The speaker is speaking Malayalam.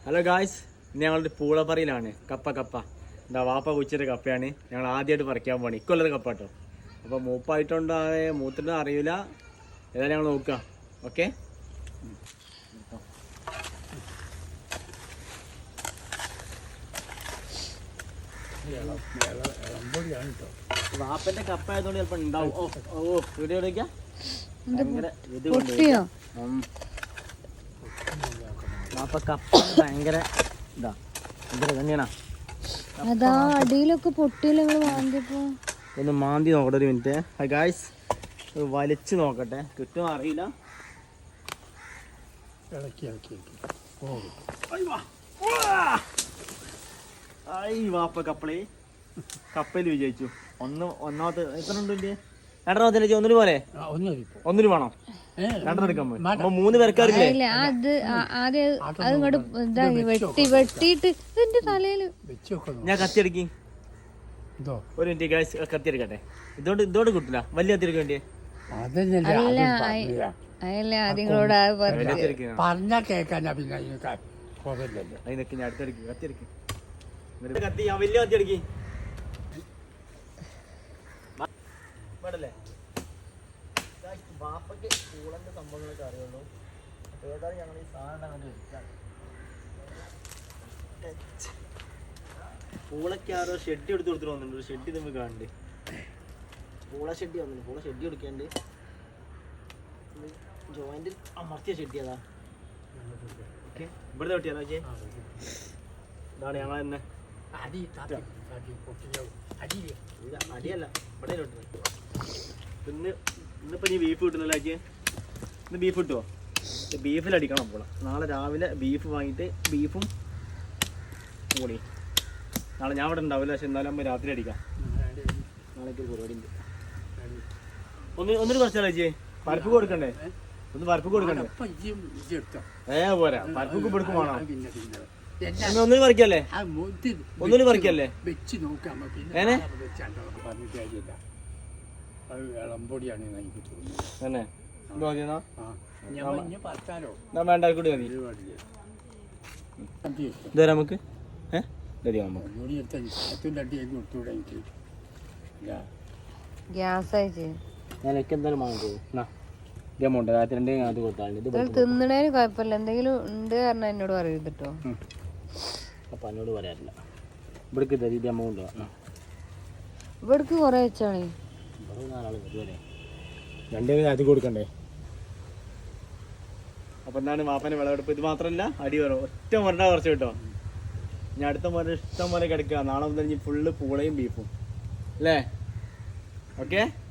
ഹലോ ഗായ്സ്, ഇന്ന് ഞങ്ങളുടെ പൂളപ്പറയിലാണ്. കപ്പ എന്താ വാപ്പ കുച്ചിട്ട് കപ്പയാണ്. ഞങ്ങൾ ആദ്യമായിട്ട് പറിക്കാൻ പോകണം. ഇക്കൊല്ലത്തെ കപ്പ കേട്ടോ. അപ്പോൾ മൂപ്പായിട്ടുണ്ടോ മൂത്തിട്ടോ അറിയില്ല. ഏതായാലും ഞങ്ങൾ നോക്കുക. ഓക്കെ, വാപ്പന്റെ കപ്പ ആയതുകൊണ്ട് ചിലപ്പോൾ ഉണ്ടാവും. വീഡിയോ എടുക്കാം. ഭയങ്കര ഇത് വാപ്പ കപ്പ ഭയങ്കര ഇതാ തന്നെയാണോ? അതാ അടിയിലൊക്കെ പൊട്ടിയില്ല. ഒന്ന് മാന്തി നോക്കട്ടെ ഒരു മിനിറ്റ്. ഗായ്സ്, വലിച്ചു നോക്കട്ടെ, കിട്ടുമോ അറിയില്ല. വാപ്പ കപ്പയിൽ വിജയിച്ചു. ഒന്നാമത്തെ എത്ര ഉണ്ട്? രണ്ടെണ്ണത്തിൽ ഒന്നിന് പോലെ ഒന്നിന് വേണം. രണ്ടെണ്ണം എടുക്കാൻ പോയി. അപ്പൊ 3 പേർക്കാരില്ലേ? വെട്ടിട്ട് ഇതിന്റെ തലയില് ഞാൻ കത്തിയെടുക്കി. ഒരു മിനിറ്റ് ഗായ്സ്, കത്തിയെടുക്കട്ടെ. ഇതോട് കിട്ടില്ല. വലിയ കത്തിയെടുക്കാൻ വേണ്ടിയേ പറഞ്ഞാ കേക്കാനാ. പിന്നെ അതിനൊക്കെ ഞാൻ അടുത്തെടുക്കി. കത്തിയെടുക്കി. കത്തി ഞാൻ വലിയ കത്തിയെടുക്കി. വേണ്ടല്ലേ? ബാപ്പയ്ക്ക് പൂളന്റെ സംഭവങ്ങളൊക്കെ അറിയുള്ളൂ. അപ്പോൾ ഏതായാലും ഞങ്ങൾ ഈ സാധനം അങ്ങനെ വെച്ചാൽ പൂളയ്ക്ക് ആരോ ഷെഡ് എടുത്ത് കൊടുത്തിട്ട് വന്നിട്ടുണ്ട്. ഒരു ഷെഡ് നമുക്ക് കാണണ്ടേ? പൂള ഷെഡ് വന്നിട്ടുണ്ട്. പൂള ഷെഡ് കൊടുക്കാണ്ട് ജോയിന്റ് അമർത്തിയ ഷെഡ് അതാ. ഓക്കെ, ഇവിടുത്തെ വെട്ടിയാ നോക്കിയേ. ഇതാണ് ഞങ്ങൾ തന്നെ. അടിയല്ല, ഇവിടെ ഇന്നിപ്പോ നീ ബീഫ് കിട്ടുന്നല്ലോ. ഇന്ന് ബീഫ് കിട്ടുമോ? ബീഫിലടിക്കണം. അപ്പോൾ നാളെ രാവിലെ ബീഫ് വാങ്ങിയിട്ട് ബീഫും കൂടി. നാളെ ഞാൻ ഇവിടെ ഉണ്ടാവില്ല, പക്ഷെ എന്നാലും നമ്മൾ രാത്രി അടിക്കാം. നാളേക്ക് ഒരു പരിപാടി ഉണ്ട്. ഒന്നിന് കുറച്ചാലോ ചേച്ചി? പരിപ്പ് കൊടുക്കണ്ടേ? ഒന്ന് പരിപ്പ് കൊടുക്കണ്ടേ? പോരാ, പരിപ്പൊക്കെ കൊടുക്കും വേണം. ഒന്നിന് പറിക്കല്ലേ? ഒന്നിന് പറിക്കല്ലേ? തന്നെ വേണ്ട കൂടി മതി. ഇതുവരെ നമുക്ക് തിന്നണേന് കുഴപ്പമില്ല. എന്തെങ്കിലും ഉണ്ട് കാരണം എന്നോട് പറയരുത് കേട്ടോ. അപ്പൊ എന്നോട് പറയാറില്ല. ഇവിടേക്ക് തരീ എമൗണ്ട് ഇവിടേക്ക് കുറെ വെച്ചാണ്. രണ്ടേ അത് കൊടുക്കണ്ടേ? അപ്പൊ എന്താണ് വാപ്പന്റെ വിളവെടുപ്പ്? ഇത് മാത്രമല്ല, അടി വരും. ഒറ്റ മുരണ്ട കുറച്ച് കിട്ടോ. ഞാൻ അടുത്ത മുര ഇഷ്ടം പോലെ കിടക്കുക. നാളെ മുതൽ ഫുള്ള് പൂളയും ബീഫും അല്ലേ? ഓക്കെ.